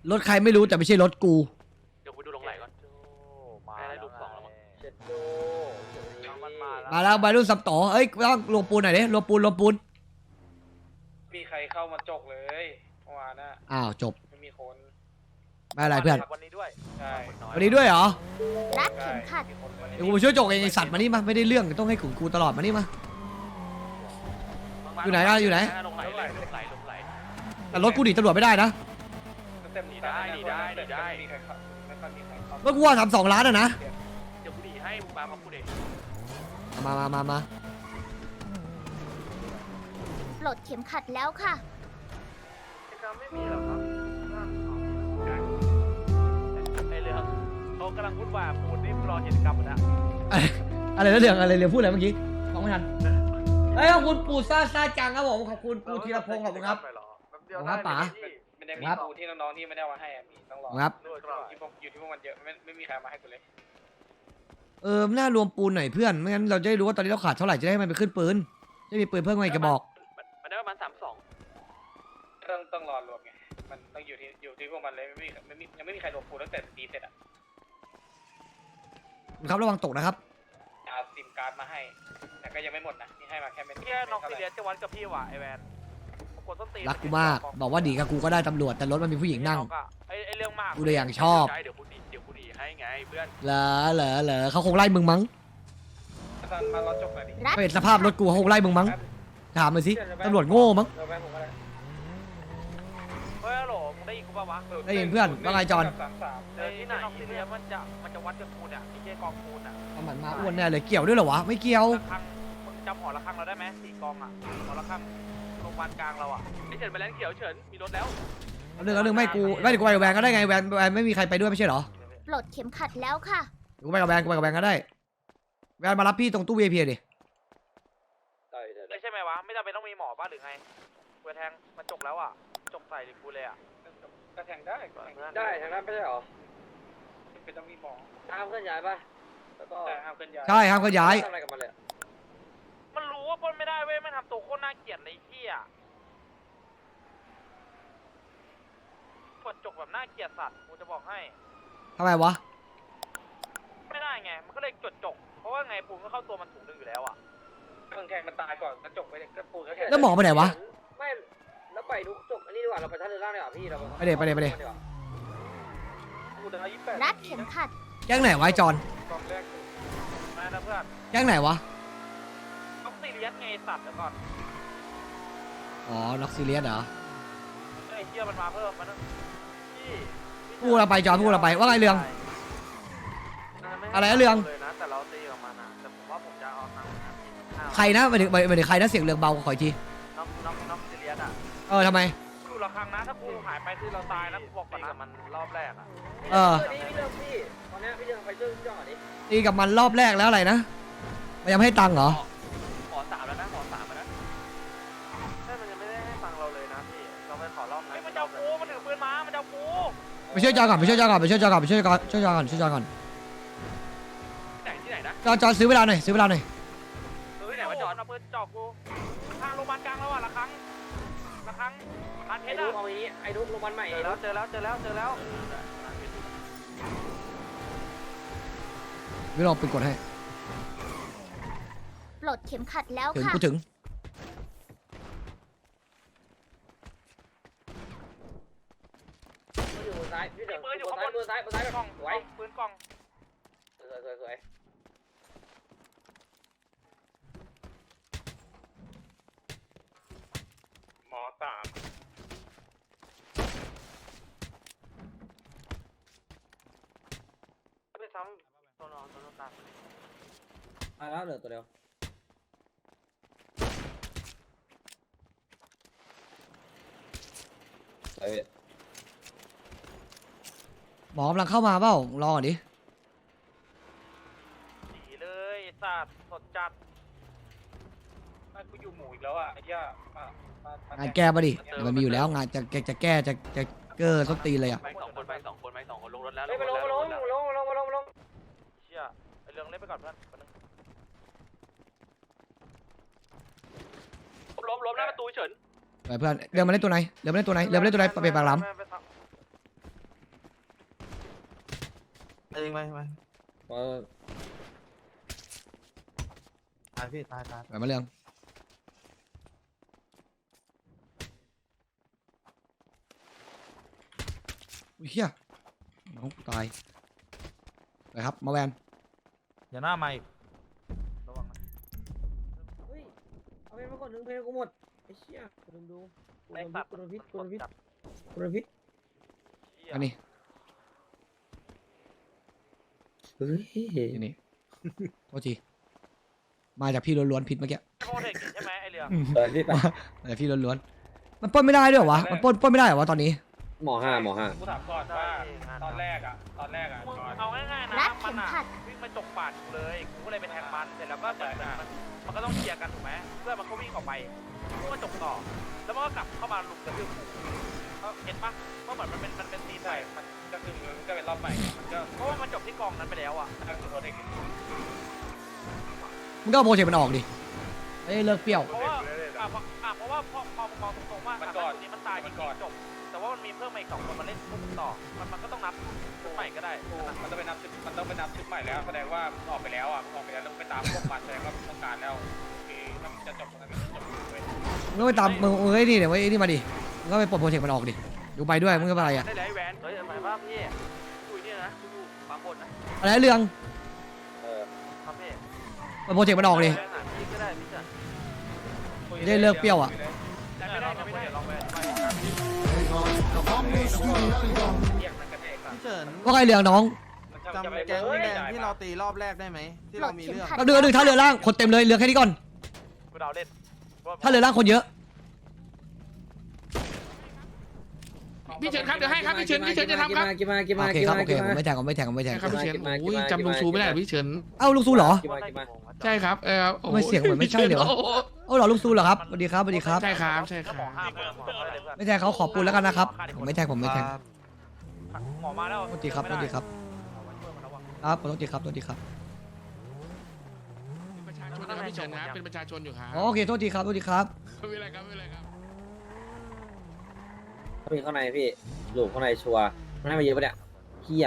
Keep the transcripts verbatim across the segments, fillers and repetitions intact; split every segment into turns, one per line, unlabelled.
รถใครไม่รู้แต่ไม่ใช่รถกู
เดี๋ยวกูดูลงไหลก่อนให้ได้รูปสองแล้วมั้งเช็ดโด
มาแล้วใบรุ่นสับต่อเอ้ยต้องรวมปูนหน่อยดิรวมปูนรวมปูน
มีใครเข้ามาจกเลยเมื่อวานน่ะ
อ้าวจบ
ไม่มีคน
ไม่อะไรเพื่อน
วันนี้ด้วย
ใช่
วันนี้ด้วยเหรอ
รัดเข็มขัด
เดี๋ยวกูไปช่วยจกเองไอสัตว์มานี่มาไม่ได้เรื่องต้องให้ขุนกูตลอดมานี่มาอยู่ไหนอะอยู่ไหน
ลงไหลลงไหลลงไหล
แต่รถกูหนีตำรวจไม่ได้นะ
เต็มได้ดีได้ดีได้ไม่ค่อยมีใครเข้า
เมื่อกูว่าทำสองล้านอะนะ
เดี๋ยวกูดีให้มึงมามาพูดเอง
มามามามา
ปลดเข็มขัดแล้วค่ะ
ไม่มีหรอกครับไอเรื่องเขากำลังพูดว่าปูนนี่รอกิจกรรมนะ
อะไรนะเรื่องอะไรเรื่องพูดอะไรเมื่อกี้ฟังไม่ทันเฮ้ยขอบคุณปู่ซ่าซ่าจังครับผมขอบคุณปู่ธีรพงศ์ขอบคุณครับขอบคุณครับป๋า
ไม่ได้มีปูที่น้องๆที่ไม่ได้มาให้มีต้องรอ
ครับ
ที่พวกอยู่ที่พวกมันเยอะไม่ไม่มีใครมาให้กูเลย
เออน่ารวมปูนหน่อยเพื่อนไม่งั้นเราจะได้รู้ว่าตอนนี้เราขาดเท่าไหร่จะได้มันไปขึ้นปืนจะมีปืนเพิ่มมาอีกกระบอก
มันได้ประมาณสามสอง
ต้องต้องรอรวมไงมันต้องอยู่ที่อยู่ที่พวกมันเลยไม่มีไม่มียังไม่มีใครรวมปูตั้งแต่ตีเสร็จอ่ะ
ครับระวังตกนะครับ
เอาซิมการ์ดมาให้แต่ก็ยังไม่หมดนะที่ให้มาแค่ไม่
แค่น้องซีเรียสจะวัดกับพี่ว่ะไอแวน
รักกูมากบอกว่าดีกับกูก็ได้ตำรวจแต่รถมันมีผู้หญิงนั่ง
ไอไอเรื่องมาก
กูเลยอย่างชอบ
เดี๋ยวกูดีเดี๋ยวกูดีให้ไงเพื่อน
เหรอเหรอเหรอเขาคงไล่มึงมั้ง
มารอจบเลยดิ
ไม่เห็นสภาพรถกูเขาคงไล่มึงมั้งถามมาสิตำรวจโง่มั้ง
เฮ้ยหรอมึงได้ยินกูป่าวะ
ได้ยินเพื่อนว่าไงจอน
ที่ไหนซีเรียสมันจะมันจะวัดกับปูนอ่ะที่เจ๊กองปูนอ่ะ
เอาหมันมาอ้วนแน่เลยเกี่ยวด้วยเหรอวะไม่เกี่ยว
มึงจำหอระฆังเราได้ไหมสี่กองอ่ะหอระฆังโรงพยาบาลกลางเราอ่ะไอเฉินไปแล้วเขียวเฉินมีรถแล้ว
เอาเรื่องเอาเรื่องไม่กูไม่กูไปกับแวนก็ได้ไงแวนแวนไม่มีใครไปด้วยไม่ใช่เหรอ
ปลดเข็มขัดแล้วค่ะ
กูไปกับแวนกูไปกับแวนก็ได้แวนมารับพี่ตรงตู้ วี ไอ พี ดิ
ไม่ใช่ไหมวะไม่จำเป็นต้องมีหมอป่ะหรือไงกูแทงมันจกแล้วอ่ะจกใส่หรือกูเลยอ่ะ
ก็แทงได้
ได้ทางนั้นไม่ใช่หรอ
เป็นต้องมีหมอ
ห้ามเคลื่อนย้ายป่ะแล้วก็
ห้ามเคลื่อนย้าย
ใช่ห้ามเคลื่อนย้าย
ทำอะไรกับมันเลย
มันรู้ว่าปล้นไม่ได้เว้ยมันทำตัวโคตรน่าเกลียดเลยที่อ่ะกดจกแบบน่าเกลียดสัตว์กูจะบอกให้
ทำไมวะ
ไม่ได้ไงมันก็เลยจดจกเพราะว่าไงปูนก็เข้าตัวมันถุงนึงอยู่แล้วอ่ะ
เครื่องแทงมันตายก่อนแล้วจกไปเลยก็ปูนก็แทง
แล้วหมอไปไหนวะ
ไม่แล้วไปทุกจบอันนี้ดีกว่าเราไปท่าเรือล่างดีกว่าพี่เรา
ไปเดี๋ยวไปเดี๋ยวไปเดี๋ยว
รัดเข็มขัด
แก๊งไหนวะจอน
กองแรก
มาแล้วเพื่อน
แก๊งไหนวะ
น็อกซีเรียสไงสัตว์เดี๋ยวก่อน
อ๋อน็อกซีเรียสเหรอ
ไอ้เหี้ยมันมาเพิ่มมันพี่
พูดเราไปจอนพูดเราไปว่าไงเรื่องอะไรเรื่อง
เลยนะแต่เราตีออกมานะแต่ผมว่าผมจะเอาทาง
ใครนะไปถึงไปถึงใครนะเสียงเรืองเบาขออีกที
น็อกน็อกน็อกซีเรียสอ่ะ
เออทำไม
ดูละครั้งนะถ้ากูหายไปคือเราตายนะบอกก่อนนะมันรอบแรกอ่ะ
เออ
พี่เรื่องพี่ตอนนี้พี่เรื่องไปช่วยพี่จอนดิ
ตีกับมันรอบแรกแล้วอะไรนะมันยังไม่ให้ตังค์เหรอ
ขอสามแล้วนะขอสามแล้วนะใช่มันยังไม่ได้ให้ตังค์เราเลยนะพี่เราไปขอรอบนั้นมันจะกูมันถือปืนมามันจะกู
ไปช่วยจอนก่อนไปช่วยจอนก่อนไปช่วยจอนก่อนไปช่วยจอนช่วยจอนก่อนช่วยจอนก่อน
ที่ไหนที่ไหนนะ
จอนจอนซื้อเวลาหน่อยซื้อเวลาหน่อย
ซื้อที่ไหนวะจอนเอาปืนจ่อกูทางโรงพยาบาลกลางแล้วอ่ะละครั้งละครั้งพันเพชรอ่ะ
เอาอย่างนี้ไอ้ดุ๊กโรงพยาบาลใหม่
เจอแล้วเจอแล้วเจอแล้วเจอแล้ว
ไม่ลองเป็นกดให้
ปลดเข็มขัดแล้ว
ถึง
ค่ะ
กูถึง
อยู่บนซ้ายพี่เดี๋ยวบนซ้ายบนซ้ายบนซ้ายกล้องสวย
ปืนกล้อง
สวยสวยสวย
หมอสาม
ไปซ้ำตัวนอนตัวนอนตาม
มาแล้วเหลือตัวเดียวไป
หมอกำลังเข้ามาเปล่ารอก่อนดิ
ดีเลยสัตว์สดจัด
กูอยู่หมู่อีกแล้วอ่ะไอ้เหี้ย
งานแก้ป่ะดิมันมีอยู่แล้วงานจะจะแก้จะจะเกอร์ต้นตีเลยอ่ะ
ไปสองคนไปสองคนไปสองคนลงรถแล้ว
ลงลงลงลงลงลงลงลง
เชี่ยไอเรื่องเล่นไปก่อนเพื่อนล้มล้มหน้าประตูเฉิน
ไปเพื่อนเดี๋ยวมาเล่นตัวไหนเดี๋ยวมาเล่นตัวไหนเดี๋ยวมาเล่นตัวไหนไปปากหลำ
เองไปไป
เออ
ตายพี่ตายตาย
ไปมาเรื่องอุ้ยเฮียน้องกูตายไปครับมาแวน
อย่าหน้าไม่ระวังนะ
เฮ้ยเอาเพลงมาก่อนหนึ่งเพลงกูหมดไอ้เชี่ยกูลืมดูกูลืมพิษกูลืมพิษกูลืมพิษกูลืมพิษ
อันนี้
เฮ้ย
อันนี้โทษทีมาจากพี่ล้วนๆผิดเมื่อกี้
โปรเทคใช่ไหมไอเรือ
เออพี่ไป
มาจากพี่ล้วนๆมันปล้นไม่ได้ด้วยเหรอวะมันปล้นปล้นไม่ได้เหรอวะตอนนี้
หมอห้าหมอห้า
กูถามก่อนว่าตอนแรกอ่ะตอนแรกอ่ะ
มึง
ก่อน
เอาง่ายๆนะ
รัด
มั
เข็
น
ม
อ่ะ
ขัด
วิ่งมาจกปาดกูเลยกูก็เลยไปแทงมันเสร็จแล้วก็เหมือนมันมันก็ต้องเคลียร์กันถูกไหมเพื่อนมันก็วิ่งออกไปกูก็จกต่อแล้วมันก็กลับเข้ามาลุมกระทืบกูเห็นปะเพราะเหมือนมันเป็นมันเป็นซีน
ใช่
ใส่
มันก็คือมันก็เป็นรอบใหม่มันก็
เพราะว่ามันจบที่กองนั้นไปแล้วอ่ะ
ก็คือตัวเด็ก
มึงก็เอาโปรเจกต์มันออกดิเอ้ยเลิกเปรี้ยว
เพราะว่าอ่ะเพราะอ่ะเพราะว่าพอพอมองตรงๆว่าอ่ะถ้าตัวนี้มันตายจริงๆจบแต่ว่ามันมีเพิ่มมาอีกสองคนมาเล่นปุ๊บต่อมันมันก็ต้องนับชุดใหม่ก็ได้
มันต้องไปนับชุดมันต้องไปนับชุดใหม่แล้วแสดงว่าออกไปแล้วอ่ะออกไปแล้วต้องไปตามพวกมันแสดงว่าต้องการแล้วคือถ้ามันจะจบตรงนั้นก็จบเลย
มึงก็ไปตามมึงเอ้ยนี่เดี๋ยวไอ้นี่มาดิมึงก็ไปปลดโปรเจกต์มันออกดิดูไปด้วยมึงก็ไปอะไรอ่ะ
ได้เลยไอ้แหวนเฮ้ยหมายว่าพี่คุยนี่นะดูบางคนนะ
อะไรเรื่อง
เออ
ครับพี่
ปลดโปรเจกต์มันออกดิ
พี่ก็ได้พี่จะ
จะได้เลิกเปรี้ยวอ่ะ
ได้ไม่ได้ไม่ได้ลองไปไป
เรียกมันกระแทก
พี่เฉิน
ว่าไงเรื่องน้อง
จำแก๊งแดงที่เราตีรอบแรกได้ไหมที่
ปล
เรา
ด
มี
เข็ม
เรื่อง
ขัด
เราเดือดหนึ่งท่าเรือล่างคนเต็มเลยเรือแค่นี้ก่อน
กูเดาเล่น
ท่าเรือล่างคนเยอะ
พี่เฉินครับเดี๋ยวให้ครับพี่เฉินพี่เฉินจะทำครับ
กินมากินมา
โอเค
กิน
ครับ
มา
โอเค
กิน
ผม
มา
ไม่แทงผมไม่แทงผมไม่แทง
ครับพี่เฉิน
กินมา
โอ้ย
กินมา
จำลุงซูไม่ได้
กินมา
พี่เฉิน
เอ้าลุงซูเหรอ
กินมากินมา
ใช่ครับเออโอ้โห
ไม่เสียงเหมือนไม่ใช่เลยวะ
โอ้โห
เอ้าเหรอลุงซูเหรอครับสวัสดีครับสวัสดีครับ
ใช่ครับใช่ครับ
หมอห้ามหมอเขาเลยเพื่อน
ไม่แทงเขาขอบคุณแล้วกันนะครับผมไม่แทงผมไม่แทง
หมอมาแล้ว
โทษทีครับโทษทีครับครับขอโทษทีครับโทษทีครับ
เป็นประชาชนนะครับพี่เฉินครับเป็นประชาชนอยู่ครับ
อ๋อโอเคโทษทีครับโทษทีครับ
ไม่เป็นไรครับไม่เป็นไรครับ
เขามีข้างในพี่หลูกข้างในชัวร์มันให้มาเยอะปะเนี่ยเฮีย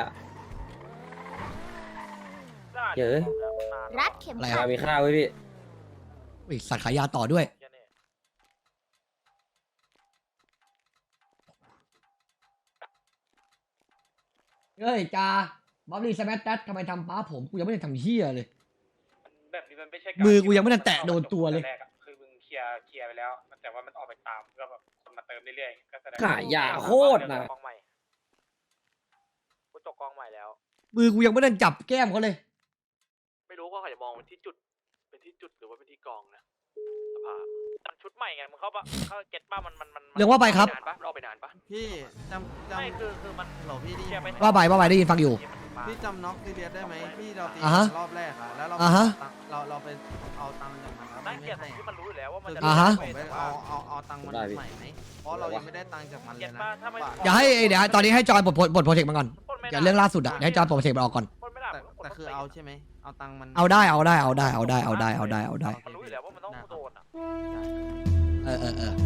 เยอะ
รัดเข็ม
อะไร
ขั
ค
ด
รับ
มีข้าวไว้พี่
อุ้ยสัตว์ขายยาต่อด้วยเฮ้ยจาบัฟลี่สแมทแดดทำไมทำป้าผมกูยังไม่ได้ทำเฮียเลย
แบบนี้มันไม่ใช่
มือกูยังไม่ทันแตะโดนตัวเลย
แรกอะคือมึงเคลียร์เคลียร์ไปแล้วแต่ว่ามันออกไปตามก็แบบคนมาเติมเรื่อยๆก็แสดง
ขายยาโคตรนะ
กองใหม่กูจกกองใหม่แล้ว
มือกูยังไม่ได้จับแก้มเขาเลย
ไม่รู้ว่าเขาจะมองเป็นที่จุด เป็นที่จุดหรือว่าเป็นที่กองนะสภามันชุดใหม่ไงมึงเข้าปะเข้าเก็ตป้ามันมันมัน
เรื่องว่าไปครับ
นานปะรอไปนานปะ
พี่จำจ
ไม่คือคือมัน
ำเหรอพี่ได้
เคลี
ยิ
ย
น
ร์ไป
ไหม
ว่าไปว่าไปได้ยินฟังอยู่
พี่จำน็อกซีเรียสได้ไหมที่เราตี
อ่าฮะ
รอบแรกอะแล้วเรา
อ่าฮะ
เราเราไปเอาตังค์จากมันแล้วมั
นั่ง
น
เกลียด
ไม่ให้
ที่มันรู้อยู่แล้วว่ามันจะ
อ่าฮะ
ผมไปเอาเอาเอาตังค์มันใหม่ไหมเพราะเรายังไม่ได้ตังค์จากมันเล
เกลีย
ย
ด
นะ
ป้าถ้าไม่
อย่าให้เดี๋ยวตอนนี้ให้จอยปลดปลดโปรเจกต์มาก่อน
ปล้นไม่
อย่า
ได้
เรื่องล่าสุดอะเดี๋ยวให้จอยปลดโปรเจกต์มันออกก่อน
ปล้นไม่ได้
แต่
มันก็ปล้น
แต่คือเอาใช่ไหมเอาตังค์มัน
เอาได้เอาได้เอาได้เอาได้เอาได้เอาได้เอาได้
มันรู้อยู่แล้วว่ามันต้องโดนอ่ะ
เออเออเออ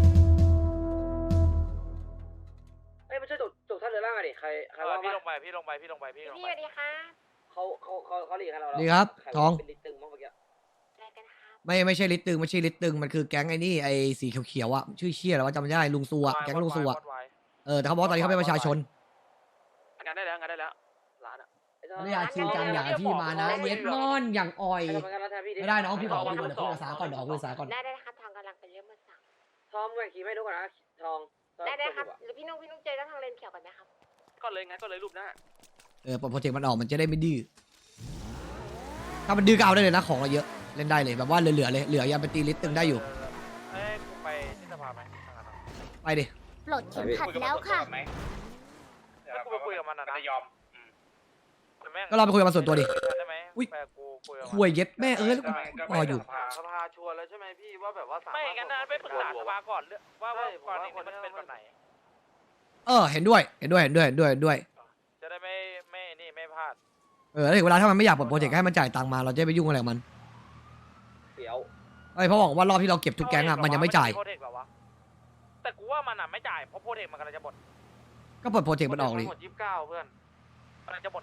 เอ้ยมาช่วยจบจบท่าเรือล่างหน่อยดิใครใคร
เออ
ว่า
พี่
มา
ลงไปพี่ลงไปพี่ลงไปพี่ลง
พี่
ไป
สวัสดีค่ะ
เขาเขาเขาเขาหลีกให้เรา
ดีครับ
ใว่า
ทอง
เป็นลิตตึงมั้งเมื่อกี้
อะไรกันครับ
ไม่ไม่ใช่ลิตตึงไม่ใช่ลิตตึงมันคือแก๊งไอ้นี่ไอ้สีเขียวๆอะชื่อเชี่ยแล้วว่าจำไม่ได้ลุงซัวแก๊งลุงซัวเออแต่เขาบอกว่าตอนนี้เขาเป็นประชาชน
งานได้แล้วงานได้แล้วร้านอ่ะ
ไอ้ทอง
ไม่อยากชิงจังอย่างที่มานะเย็ดมอนอย่างอ่อย
ไอ้ทองงั้นเราแทนพี่ดิ
ไม่ได้น้องพี่ขอคุยก่อนเดี๋ยวคุยภาษาก่อนเดี๋ยวคุยภาษาก่อน
ได้ได้นะครับทางกำลังเป็นเรื่องมือสั่ง
ทองแหวนขี่ไม่ดูก่อนนะทองทอง
ได้ได้ครับ
จอะ
หรือพี่นุ๊กพี่นุ๊กเจอกันทางเลนเขียวกันไหมครับ
ก็เลยงั้นก็เลยรูปหน้า
เออปลดโปรเจกต์มันออกมันจะได้ไม่ดื้อถ้ามันดื้อก็เอาได้เลยนะของเราเยอะเล่นได้เลยแบบว่าเหลือๆเลยเหลือยังไปตีลิตตึงได้อยู่
เอ้ยกูไปที่สภาไหมทางนั้นอะ
ไปดิ
ปลดเข็มขัดแล้วค่ะ
แล้วกูไปคุยกับมันอะนะ
จะยอม
แต่แม่ง
ก็เราไปคุยกับมันส่วนตัวดิ
ได้ไหม
อุ๊ย
แปลกูคุยกับมัน
คุยเย็ดแม่เอ้ยแล้วกูรออยู่
สภาชวนแล้วใช่ไหมพี่ว่าแบบว่าไม่งั้นนะไปปรึกษาสภาก่อนเรื่องว่าว่าก่อนนี้มันเป็นแบบไหน
เออเห็นด้วยเห็นด้วยเห็นด้วยเห็นด้วยเห็นด้วย
จะได้ไม่ไม่นี่ไม่พลาด
เออแล้วถึงเวลาถ้ามันไม่อยากปลดโปรเจกต์ให้มันจ่ายตังค์มาเราจะไปยุ่งอะไรกับมัน
เดี๋ยว
ไอ้ยเพราะบอกว่ารอบที่เราเก็บทุกแก๊งอะมันยังไม่จ่าย
โปรเทคเหรอวะแต่กูว่ามันอ่ะไม่จ่ายเพราะโปรเทคมันกำลังจะหมด
ก็ปลดโปรเจกต์มันออกดิ
หมดยี่สิบเก้าเพื่อนมันกำลังจะหมดไงอีก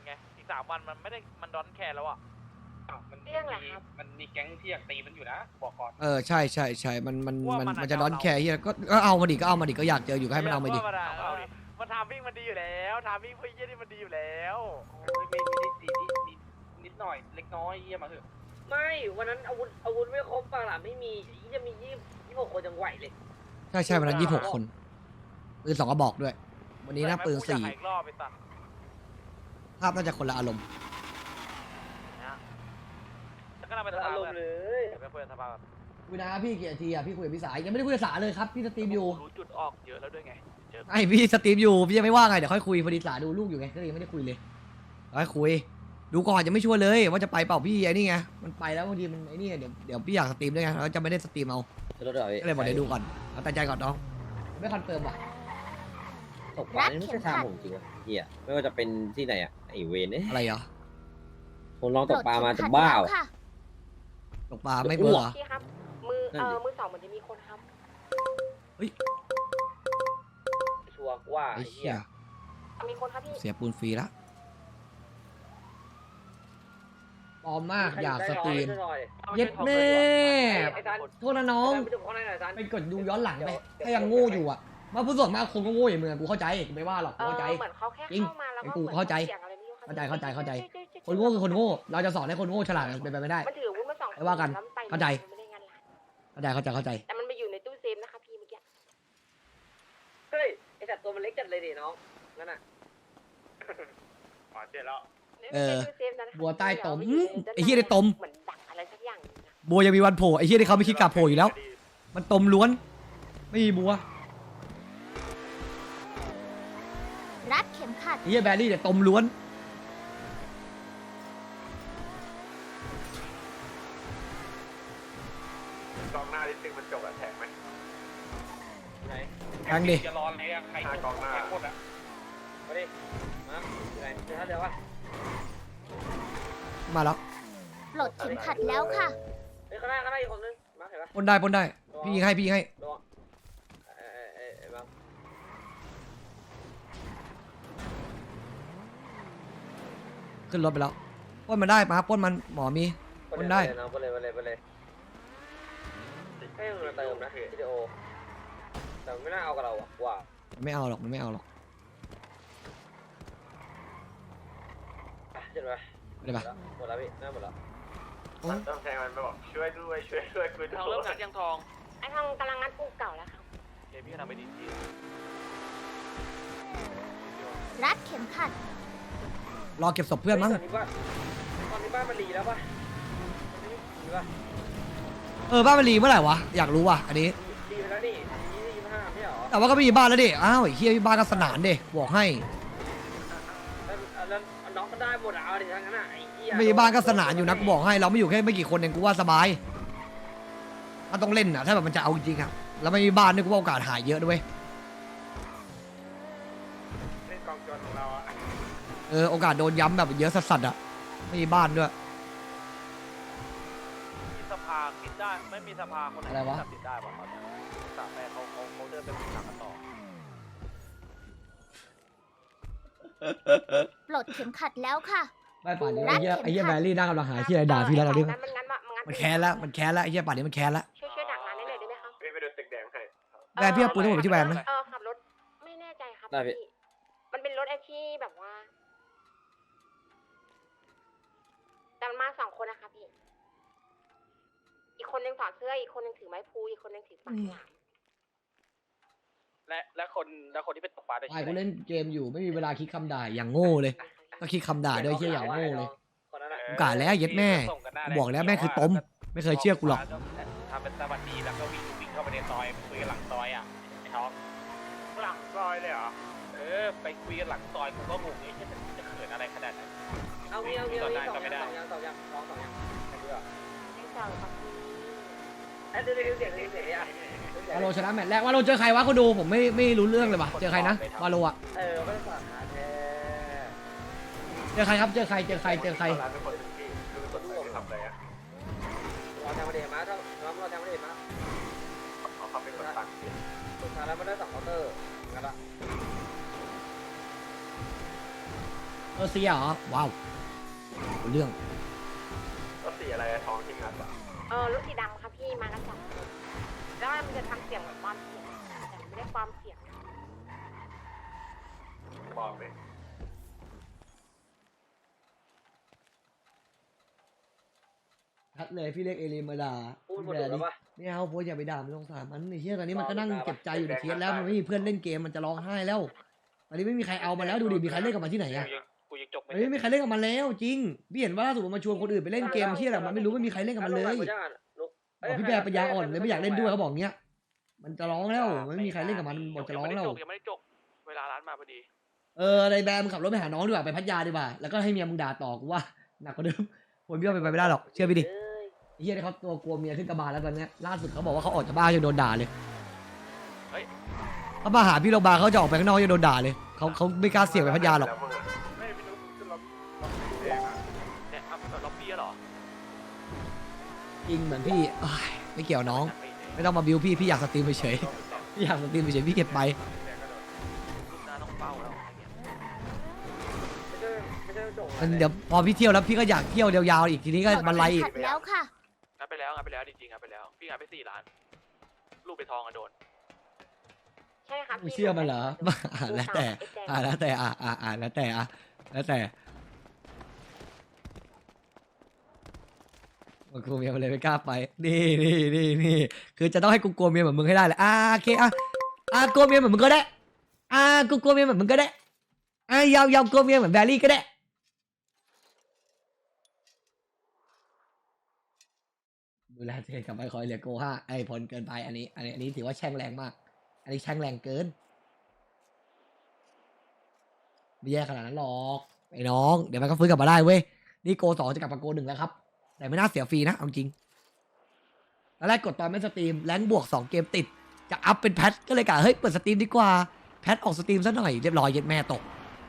อีกสามวันมันไม่ได้มันดอนแคร์แล้วอ่ะ
อ้าวมัน
เรื่องอะไร
มี
ครับ
มันมีแก๊งที่อยากตีมันอยู่นะบอกก่อน
เออใช่ใช่ใช่มันมัน
ว่ามั
มัน
น
มันจะ
อาจจะ
ร้อน
เอา
แคร์เฮียก็ก็เอามาดิก็เอามาดิก็อยากเจออยู่ก็ให้มันเอามาดิ
ว่ะเอาดิมันทามวิ่งมันดีอยู่แล้วทามวิ่งเพื่อเยี่ยนี่มันดีอยู่แล้ว
โอ้ยไม่ไม่ได้ตีนิดนิดนิดหน่อยเล็กน้อยเยี่ยมาเถอะ
ไม่วันนั้นอาวุธอาวุธไม่ครบปากหล่ะไม่มีจะมียี่ยี่หกคนยังไหวเลย
ใช่ใช่วันนั้นยี่สิบหกคนปืนสองกระบอกด้วย วันนี้น่าปืนสี่
อีกรอบไปตัด
ภาพน่าจะคนละอารมณ์
นะแล้วก็นำไปส
อา
ภาร
ม
กั
ณ์
น
เลย
เดี๋ยวไปคุยกับสภากัน
คุยนะพี่กี่นาทีอ่ะพี่คุยกับพี่สายยังไม่ได้คุยกับสาเลยครับพี่สตรีมอยู่
รู้จุดออกเยอะแล้วด้วยไงเจอ
ไอพี่สตรีมอยู่พี่ยังไม่ว่างไงเดี๋ยวค่อยคุยพอดีสาดูลูกอยู่ไงก็เลยยังไม่ได้คุยเลยค่อยคุยดูก่อนยังไม่ชัวร์เลยว่าจะไปเปล่าพี่ไอ้นี่ไงมันไปแล้วบางทีมันไอ้นี่เดี๋ยวเดี๋ยวพี่อยากสตรีมด้วยไงแล้วจะไม่ได้สตรีมเอา
รถเดี๋ยว
ก็เลยบอกเดี๋ยวดูก่อนเอาแต่ใจก่อนน้องไม่คอนเฟิร์มว่ะ
ตกปลานี่ไม่ใช่ทางผมจริงวะเฮียไม่ว่าจะเป็นที่ไหนอ่ะไอเวนเนี่ย
อะไรเหรอ
ผมลองตกปลามาจะบ้า
แล้ว
วะ
ค่ะ
ตกปลาไม่เบื่อ
พี่ครับ มือ
นั่น
เอ
ดิ
อมือสองเหมือนจะมีคนครับ
ชัวร์ว่า
ไอ้
ไอ้
เหี้
เหี้
ย
ย
มีคนครับพี่
เสียปูนฟรีละปลอมมากอยากสตรีม
หน่อย
เย็ดแม่
ไอ้ซัน
โทษนะน้อง
ไปดูข้างในหน่อยซัน
ไปกดดูย้อนหลังไปถ้ายังโง่อยู่อ่ะมาผู้ส่วนมากคนก็โง่อย่างมึงอะกูเข้าใจกูไม่ว่าหรอก
เอ
กู
อ
เข้าใจ
เหมือนเขาแค่
จริง
เข้ามาแล้วก็
ไอ้กู
หมือน
เข้าใจ
สียงอะไรไม่รู้ครับ
เข้าใจเข้าใจเข้าใจ
จุ๊ยๆๆๆ
คนโง่คือคนโง่ เราจะสอนให้คนโง่ฉลาดเป็นไปไม่ได้
มันถืออาวุธมาสอง
ไม่ว่ากัน
แล้วมัไป
เข้าใจ
มันไม่ได้งานร้าน
เข้าใจเข้าใจเข้าใจ
แต่มันไปอยู่ในตู้เซฟนะคะพี่เมื่อกี้
เฮ้ยไอ้สัตว์ตัวมันเล็กจัดเลยดิน้องนั่นน่ะ
อ๋อเจ็ดแล้ว
เออ
ไม่ใช่ตู้เซฟนะคะ
บัวใต้ตม
เดี๋ยว
อื้อ
ด้าน
ไอ้เหี้ยได้ตม
เหมือนดักอะไรสักอย่างหนึ่งนะ
บัวยังมีวันโผล่ไอ้เหี้ยที่เขาไม่คิดกลับโผล่อยู่แล้ว มันตมล้วน ไม่มีบัว
รัดเข็มขัด
ไอ้เหี้ยแบรี่แต่ตมล้วน
กองหน้าที่ตึงมันจบอะแทงไหม
ไหน
แทงดิ
จะรออะไรอะใครกองหน้าแทงหมดอะ
มาดิมาอยู่ไหนเดี๋ยวนะเดี๋ยววะ
มาแล้ว
ปลดเข็มขัดแล้วค่ะ
เฮ้ยข้างหน้าข้างหน้าอีกคนนึงมาเห็นปะ
ปล้นได้ปล้นได้ พี่ยิงให้พี่ยิงให้
ระวังเอ้ยเอ้ยเอ้ยเอ้ยบัง
ขึ้นรถไปแล้วปล้นมันได้มาปล้นมันหมอมี ปล้นได้
ปเลยไปเลยไปเลยไปเลยให้มันมาเติมนะวิดีโอแต่มันไม่น่าเอากับเราอ่ะว่า
มันไม่เอาหรอกมันไม่เอาหรอก
อ่ะเจ็ดไป
ไม่ได้ปะ
หมดแล้วพี่น่าหมดแล้ว
ต้องแทงมันไปบอกช่วยด้วยช่วยด้วยคุย
ทางเริ่มงัดยังทอง
ไอ้ทองกำลังงัดปูเก่าแล้วครับ
เดี๋ยวพี่ก็ทำไปดีที่
รัดเข็มขัด
รอเก็บศพเพื่อนมั้ง
ตอนนี้บ้านตอนนี้บ้านมันรีแล้วป่ะตอนนี้รีป่ะ
เออบ้านมันรีเมื่อไหร่วะอยากรู้ว่ะอันนี้
รีไปแล้วนี่ยี่สิบห้าไม่เหรอ
แต่ว่าก็ไม่มีบ้านแล้วดิอ้าวไอ้เฮียมีบ้านก็สนานดิบอกให้
แล้วแล้วน้องก็ได้หมดเอาดิทั้งนั้นอ่ะไอ้เหี้ย
ไม่มีบ้านก็สนานอยู่นะกูบอกให้เราไม่อยู่แค่ไม่กี่คนเองกูว่าสบายถ้าต้องเล่นอ่ะถ้าแบบมันจะเอาจริงอ่ะแล้วไม่มีบ้านเนี่ยกูว่าโอกาสหายเยอะด้วย
เล่นกองจนของเราอะ
เออโอกาสโดนย้ำแบบเยอะสัสๆอ่ะไม่มีบ้านด้วย
มีสภาคิดได้ไม่มีสภาคนไหน
อะไรวะ
ตัดสินได้ป่ะครับสามแม่เขาเขาเขาเดินไปปรึกษากันต่อ
ปลดเข็มขัดแล้วค่ะ
ไม่ป่านนี้
รั
ไอ้
ด
เหี้ย
เข็ม
ไอ้เหี้ย
ขั
แบ
ด
รี่นั่งกำลังหาที่อะไรด่าพี่แล้วเราดิ
มันงัดมามันงัด
มันแค้นแล้วมันแค้นแล้วไอ้เหี้ยป่านนี้มันแค้นแล้ว
ช่วยช่วยดักงานได้เลยได้ไหมครับ
พี่ไปโดนตึกแดงให้
แวนพี่เอาปืนให้ผมไปที่แวนไหม
เออขับรถไม่แน่ใจครับ
ได้พี่
มันเป็นรถไอที่แบบว่าแต่มันมาสองคนนะคะพี่ อีกคนนึงถอดเสื้ออีกคนนึงถือไม้พลูอีกคนนึงถือปากฉลาม
และและคนและคนที่เป็นตกปลาได้
ไอ้กูเล่นเกมอยู่ไม่มีเวลาคิดคำด่าอย่างโง่เลยก็คิดคำด่าด้วยเหี้ยอย่างโง่เลย
คนนั้นอ่ะ
กูกะแล้วเย็ดแม่กูบอกแล้วแม่คือต้มไม่เคยเชื่อกูหรอก
ทำเป็นสวัสดีแล้วก็วิ่งวิ่งเข้าไปในซอยคุยกันหลังซอยอ่ะไอ้ท้องหลังซอยเลยเหรอเออไปคุยกันหลังซอยกูก็งงไอ้เหี้ยจะจะเขินอะไรขนาดนั้น
เอางี้เอางี้เอางี้สองอย่างสองอย่างสองอย่างสองอย่างใครดูอ่ะ
ไม่เจอครับพี่
ไอ้เดี๋ยวเดี๋ยวเสียงเสียงเสียงอ่ะ
วาโลชนะแมตช์แรกวาโลเจอใครวะเขาดูผมไม่ไม่รู้เรื่องเลยว่ะเจอใครนะวาโลอ่ะ
เออไม่ต้องสาขาแท้
เจอใครครับเจอใครเจอใครเจอใคร
ร้านเป็นคนที่คือคนที่ทำอะไรอ่ะ
เราแทงมาเดมาถ้าเราเราแทงมาเดมา
เขาเขาเป็นคนต่างที่
สุดท้ายแล้วมันได้สองเคาน์เตอร์งั้นละ
เออเสียเหรอว้าวเอาเรื่อง
รถสีอะไรท้องที่งัดอ่ะ
เออรถสีดำครับพี่มากันสองคนแล้วมันจะทำเสียงเหมือนความเสียงแต่ไม่ได้ความเสียง
บอกเลย
ทัดเลยพี่เล็กเอลีมาด่า
พูดหมด
แบ
แล้ว
ดิ
ปะ
ไม่เอาโพสอย่าไปด่ามันสงสารมันไอ้เหี้ยตอนนี้มันก็นั่ง
ด่าปะ
เก็บใจอยู่ในเคสแล้วมันไม่มีเพื่อนเล่นเกมมันจะร้องไห้แล้วตอนนี้ไม่มีใครเอามาแล้วดูดิมีใครเล่นกับมันที่ไหนอะ
กูยังจบ
มันไม่มีใครเล่นกับมันแล้วจริงพี่เห็นว่าล่าสุดมันมาชวนคนอื่นไปเล่นเกมเชี่ยอะไรมันไม่รู้ไม่มีใครเล่นกับมันเลย บอกพี่แบร์ปัญญาอ่อนเลยไม่อยากเล่นด้วยเขาบอกเงี้ย มันจะร้องแล้วมันไม่มีใครเล่นกับมันบอกจะร้องแล้ว
ยังไม่ได้จบเวลาร้านมาพอดี
เออในแบร์มึงขับรถไปหาน้องดีกว่าไปพัทยาดีกว่าแล้วก็ให้เมียมึงด่าต่อกูว่าหนักกว่าเดิมคนพี่ว่าไปไม่ได้หรอกเชื่อพี่ดิไอ้เฮียที่เขาตัวกลัวเมียขึ้นกระบาลแล้วตอนเนี้ยล่าสุดเขาบอกว่าเขาออกจากบ้านยังโดนด่าเลยเขามาหาพี่โรงพยาบาลเขาจะออกไปข้างนอกยังโดนด่าเลยเขาเขาไม่กล้าเสี่ยงไปพัทยาหรอก
ไม่พี่นุ๊กขึ้นรถเนี่ยเอาแบบล็อบบี้เหรอ
จริงเหมือนพี่เอ้ยไม่เกี่ยวน้อง ไม่ต้องมาบิวพี่พี่อยากสตรีมเฉยๆพี่อยากสตรีมเฉยๆพี่เก็บไป
ลูกน้าต้องเป้าแล้วอะไรเงี้ย
มันเดี๋ยวพอพี่เที่ยวแล้วพี่ก็อยากเที่ยวยาวๆอีกทีนี้ก็บันไลอีก
ขัดแล้วค่ะ
งัดไปแล้วงัดไปแล้วจริงๆงัดไปแล้วพี่งัดไปสี่ล้านลูกไปทองอะโดน
ใช่ครับ
มึงเชื่อมันเหรออ่าแล้วแต่อ่าแล้วแต่อ่าอ่าอ่าแล้วแต่อ่ะแล้วแต่มันกลัวเมียมันเลยไม่กล้าไปนี่นี่นี่นี่คือจะต้องให้กูกลัวเมียเหมือนมึงให้ได้เลยอ่าโอเคอ่ะอ่ากลัวเมียเหมือนมึงก็ได้อ่ากูกลัวเมียเหมือนมึงก็ได้อ่ายาวยาวกลัวเมียเหมือนแบรี่ก็ได้ดูแลตัวเองกลับไปคอยเหลือโกห้าไอ้พลเกินไปอันนี้อันนี้อันนี้ถือว่าแช่งแรงมาก อันนี้แช่งแรงเกินไม่แย่ขนาดนั้นหรอกไอ้น้องเดี๋ยวมันก็ฟื้นกลับมาได้เว้ยนี่โกสองจะกลับมาโกหนึ่งแล้วครับแต่ไม่น่าเสียฟรีนะเอาจริงตอนแรกกดตอนไม่สตรีมแรงบวกสองเกมติดจะอัพเป็นแพทก็เลยกะเฮ้ยเปิดสตรีมดีกว่าแพทออกสตรีมซะหน่อยเรียบร้อยเย็ดแม่ตก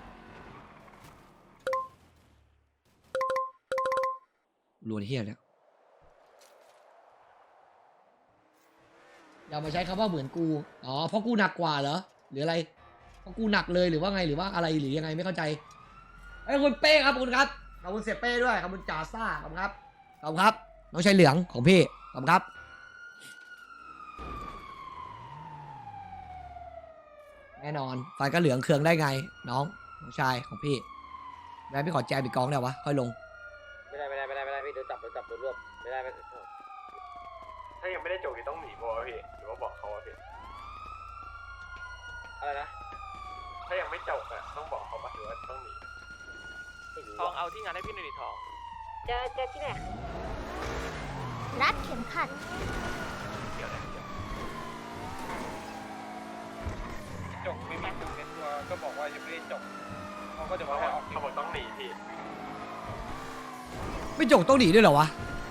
รวนเฮียเนี่ยอย่ามาใช้คำว่าเหมือนกูอ๋อเพราะกูหนักกว่าเหรอหรืออะไรเพราะกูหนักเลยหรือว่าไงหรือว่าอะไรหรือยังไงไม่เข้าใจไอ้ยคุณเป้ครับขอบคุณครับขอบคุณเสียเป้ด้วยขอบคุณจ่าซ่าขอบคุณครับขอบคุณครับน้องชายเหลืองของพี่ขอบคุณครับแน่นอนไฟก็เหลืองเคืองได้ไงน้องน้องชายของพี่แม่พี่ขอแจมอีกกองได้วะค่อยลง
ไม่ได้ไม่ได้ไม่ได้ไม่ได้พี่โดนจับโดนจับโดนรวบไม่ได้ไม่ได้
ถ้ายังไม่ได้จบนี่ต้องหนีโบพี่หรือว่าบอกเขาพี่
อะไรนะ
ถ้ายังไม่จบอ่ะต้องบอกเขาปะหรือว่าต้องหนี
ไม่รู้
ทอง
อะ
เอาที่งานให้พี่หน่อยดิทอง
เจอเจอที่ไหน
รัดเข็มขัด
เกี่ยวอะไรเกี่ยว
จบไม่มีปุ่มในตัวก็บอกว่ายังไม่ได้จบเขาก็จะบอกว่าเขาบอกต้องหนีพี่
ไม่จกต้องหนีด้วยเหรอวะ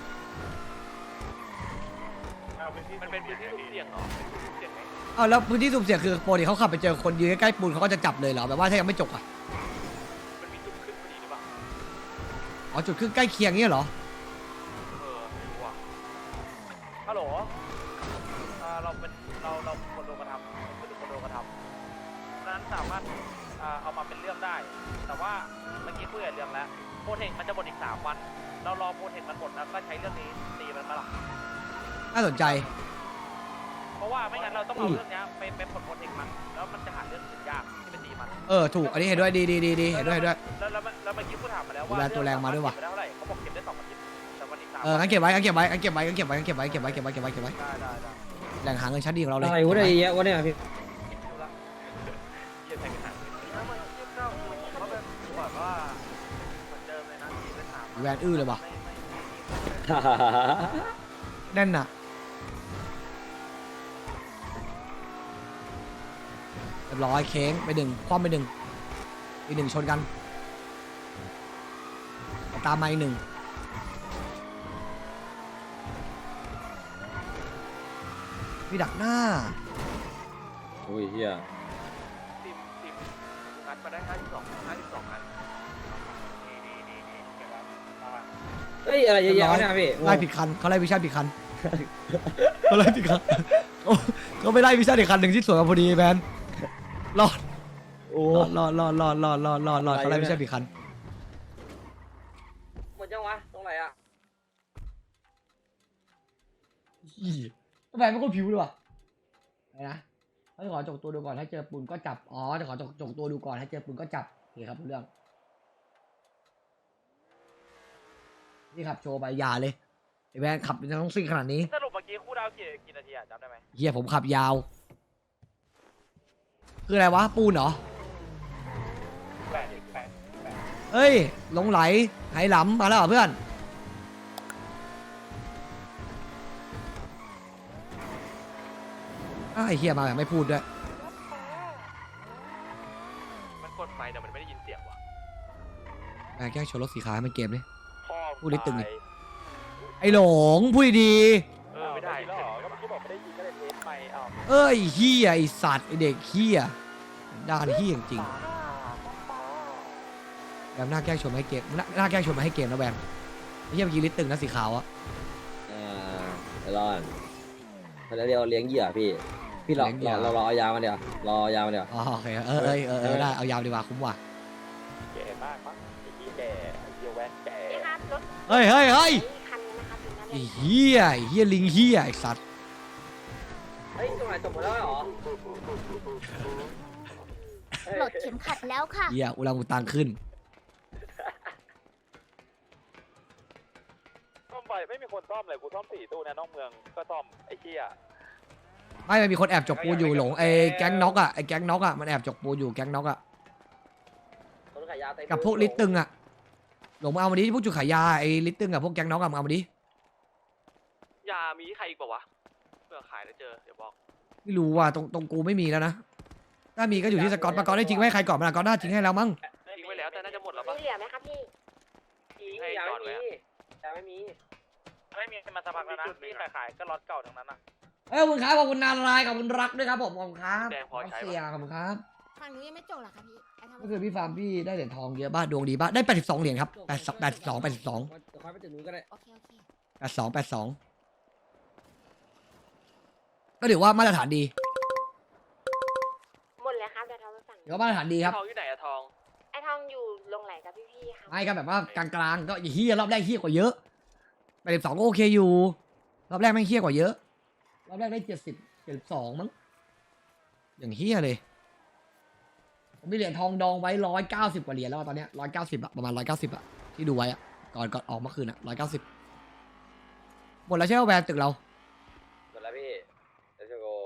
มันเป็นพื้นที่สุ่มเสี่ยงเหรอเป็นพื้นที่สุ่มเสี่ยงไหม
อ้าวแล้วพื้นที่สุ่มเสี่ยงคือปกติเขาขับไปเจอคนยืนใกล้ๆปูนเขาก็จะจับเลยเหรอแบบว่าถ้ายังไม่จกอ่ะ
มันมีจุดขึ้นพอดีหรือเปล่า
อ๋อจุดขึ้นใกล้เคียงเงี้ยเหรอ
เออไม่รู้อ่ะฮัลโหลอ่าเราเป็นเราเราคนโดนกระทำเป็นคนโดนกระทำดังนั้นสามารถอ่าเอามาเป็นเรื่องได้ แต่ว่าเมื่อกี้คุยกับเรื่องแล้วโปรเทคมันจะหมดอีกสามวัน เรารอโปรเทคมันหมดแล้วก็ใช้เรื่องนี้ตีมันมาหรอก
น่าสนใจ
เพราะว่าไม่งั้นเราต้องเอาเรื่องนี้ไปไปผลโปรเทคมันแล้วมันจะหาเรื่องอื่นยากที่ไปตีมัน
เออถูกอันนี้เห็นด้วยดีดีดีดีเห็นด้วยเห็นด้วย
แล้วแล้วแล้วเมื่อกี้กูถามมาแล้ว
ดู
ว่า
แลตัวแรงมาด้วยว่ะ
เรื่องสรถเก็บไปได้เท่าไหร่เขาบอกเก็บได้สองอาทิตย์แต่วันอีกสาม
เอองั้นเก็บไว้งั้นเก็บไว้งั้นเก็บไว้งั้นเก็บไว้งั้นเก็บไว้งั้นเก็บไว้เก็บไว้เก็บไว้เก็บไว้เก็บไว้
ได้ได้ได้
แหล่งหาเงินชั้นดีของเราเลย
อะไรวะเนี่ยเยอะวะเนี่ยพี่
ดูละเก็บใส่กระถางแล้วมันเทียบเท่าเขาแบบแบบว่าเหมือนเดิมเลยนะที่เป็นถาม
แวนอื้อเลยว่ะ
ไม่ไม่ไม่
แน่นน่ะเรียบร้อยเค้งไปหนึ่งคว่ำไปหนึ่งอีกหนึ่งชนกันตามมาอีกหนึ่งมีดักหน้า
โอ้ยเฮีย
ทีมทีมงัดมาได้ห้าสิบสองห้าสิบสองอันดีดีดีดีเก็บแล้วเอาอะ
เฮ้ยอะไรเยอะแยะวะเนี่ยพี่
ไล่ผิดคันเขาไล่วิชั่นผิดคัน เขาไล่ผิดคันเขาเขาไปไล่วิชั่นอีกคันหนึ่งที่สวนกันพอดีแมนรอด
โอ้
รอดรอดรอดรอดรอดรอดรอดรอดเขาไล่วิชั่นผิดคัน
อะไรอ่ะ
อีทำไมไม่คนผิวเลยว่ะอะไรนะเขาจะขอจกตัวดูก่อนถ้าเจอปืนก็จับอ๋อจะขอจกจกตัวดูก่อนถ้าเจอปืนก็จับโอเคครับรู้เรื่องนี่ขับโชว์ไปอยาเลยไอ้แวนขับยังต้องซิ่งขนาดนี้
สรุปเมื่อกี้คู่ดาวกี่กี่นาทีอะจำได้ไหม
เฮียผมขับยาว คืออะไรวะ ปูนเหรอ
แปดแปดแปด
เฮ้ยหลงไหลไหหลำมาแล้วเหรอเพื่อนอ้าวไอ้เฮียมาแบบไม่พูดด้วย
มันกดไฟแต่มันไม่ได้ยินเสียงว่ะ
แม่งแกล้งชนรถสีขาวให้มันเกมดิ
พ่อ
พูดได้ตึงดิ ไอ้หลงพูดดี
เออไม่ได้แล้วเหรอก็เมื่อกี้บอกไม่ได้ยินก็เลยเทสไปอ้าว
ๆเอ้ยเฮียไอสัตว์ไอเด็กเฮียด้านเฮียจริงๆแบบหน้าแกล้งชนมาให้เกมหน้าหน้าแกล้งชนมาให้เกมนะแบมไอ้เฮียเมื่อกี้ลิตตึงนะสีขาวอะ
อ่าเดี๋ยวรอก่อนเขาจะเรียกว่าเลี้ยงเหยื่อพี่ พี่รอรอรอรอเอายามาเดี๋ยวรอเอายามาเดี๋ยว
อ๋อโอเคเออเออเออเออได้เอายาวดีกว่าคุ้มว่ะ
แก่มากมั้งไอ้ยี่แก่ไอ้เยี่ยแวนแก่
นี่ครับรถ
เฮ้ยเฮ้ยเฮ้ย
นี่คันนี้นะครับถึงนั้นเล
ไอ้
ย
เฮียไอ้เฮียลิงเฮียไอ้สัตว์
เฮ้ยตรงไหนจบหมดแล้วเหรอ
ปลดเข็มขัดแล้วค่ะ
เฮียอุลังอุตังขึ้น
ซ่อมไฟไม่มีคนซ่อมเลยกูซ่อมสี่ตู้เนี่ยนอกเมืองก็ซ่อมไอ้เชี่ย
ไม่มันมีคนแอบจกปูนอยู่หลงไอ้แก๊งน็อกอ่ะไอ้แก๊งน็อกอ่ะมันแอบจกปูนอยู่แก๊งน็อกอ่ะ
ต้นขายยาเต็ม
กับพวกลิตตึงอ่ะหลงมาเอามาดิพวกจุดขายยาไอ้ลิตตึงกับพวกแก๊งน็อกอ่ะมาเอามาดิ
ยามีใครอีกเปล่าวะเพื่อขายแล้วเจอเดี๋ยวบอก
ไม่รู้ว่ะตรงตรงกูไม่มีแล้วนะถ้ามีก็อยู่ที่สกอตปากอตได้จริงไหมใครก่อนมันก่อนหน้าจริงให้แล้วมั้ง
ทิ้งไว้แล้วแต่น่าจะหมดแล้วปะ
มีเหลือไหมครับพี่
ให้
ยา
จอ
ไม่
ดไว้
มี
อะ
ยาไม่มี
ไม่มีมาสักพักแล้วนะที่ขายขายก็ล็อตเก่าทั้งนั้นนะ
เอ้ยขอบคุณครับขอบคุณนารายณ์ขอบคุณรักด้วยครับผมขอบคุณครับ
แดงพอใช้ปะ
เสียขอบคุณครับ
ฝั่งนู้นยังไม่จบเหรอคะพี่ไอ้ทำ
ก็คือพี่ฟาร์มพี่ได้เหรียญทองเยอะบ้าดวงดีบ้าได้แปดสิบสองเหรียญครับแปดแปดสิบสองแปดสิบสอง
เดี๋ยวค่อยไปถึงนู้นก็ได้
โอเคโอเค
แปดสองแปดสองก็ถือว่ามาตรฐานดี
หมดเลยครับเดี๋ยวทองไปสั่ง
ถือว่ามาตรฐานดีครับ
ทองอยู่ไหนอะทอง
ไอ้ทองอยู่ลงไหลกับพี่ๆครับ
ไม่ก็แบบว่ากลางๆก็เฮียรอบแรกเฮียกว่าเยอะแปดสิบสองก็โอเคอยู่รอบแรกไม่งเฮียกว่าเยอะรอบแรกได้เจ็ดสิบเจ็ดสิบสองมั้งอย่างเฮียเลยผมมีเหรียญทองดองไว้ร้อยเก้าสิบกว่าเหรียญแล้วอะตอนเนี้ยร้อยเก้าสิบอะประมาณร้อยเก้าสิบอะที่ดูไว้อะก่อนก่อนออกเมื่อคืนอะร้อยเก้าสิบหมดแล้วใช่ไหมแวนตึกเรา
หมดแล้วพี่เดี๋ยวจะโก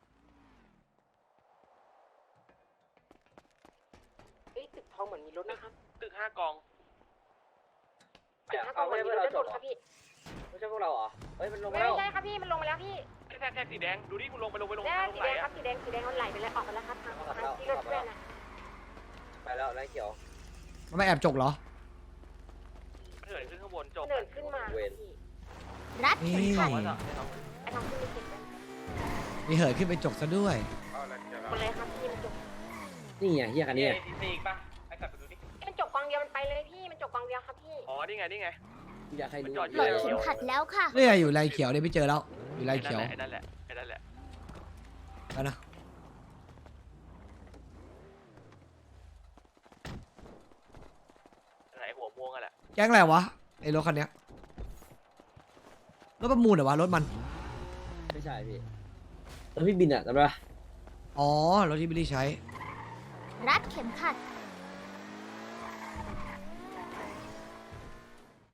เอ้ยตึกทองเหมือนมีรถนะครับ
ตึกห้ากอง
ตึกห้ากองเหมือนมีรถได้หมดครับพี่
ไม่ใช่พวกเราเหรอเฮ้ยมันลง
ไม่
มาแล้ว
ใช่ครับพี่มันลงมาแล้วพี่
แท็กแท็กสีแดงดูดิคุณลงไปลงไปลง
แด
ไป
ง
ลง
สี
ไหน
แดงครั
อะ
บสีแดงสีแดงมันไหลไปเลยออกไปแล้วครับทางทางที่รถเพื่อนนะ
ไปแล้วไล่เขียว
มันไม่แอบจกเหรอ
เหินขึ้นข้างบนจบ
เดินขึ้นมาครับพี่
รัดเข็มขัด
ไว้เถอะ
ไอ้ทองขึ้นไปเก็บกัน
มีเหินขึ้นไปจกซะด้วย
หมดเลยครับพี่มันจบ
นี่ไงเฮียคันนี้
นี่ซีอีกปะให้กลับไปดูดิ
มันจบกองเดียวมันไปเลยพี่มันจบกองเดียวครับพี่
อ๋อนี่ไงนี่ไง
อยากให้รู้
จอดอ
ปลดเข็มขัดแล้วค่ะ
เนี่ยอยู่ไรเขียวเนี่ยไม่เจอแล้วอยู่ไรเขียว
ไอ้นั่นแหละไอ้นั่นแหละ
แล้วนะ
ไอ้หัวม่วงอะแหละ
แก๊งอะไรวะไอ้รถคันเนี้ยรถประมูลเหรอวะรถมัน
ไม่ใช่พี่แล้วพี่บินอ่ะจำได้ปะ
อ๋อรถที่บิลลี่ใช้
รัดเข็มขัด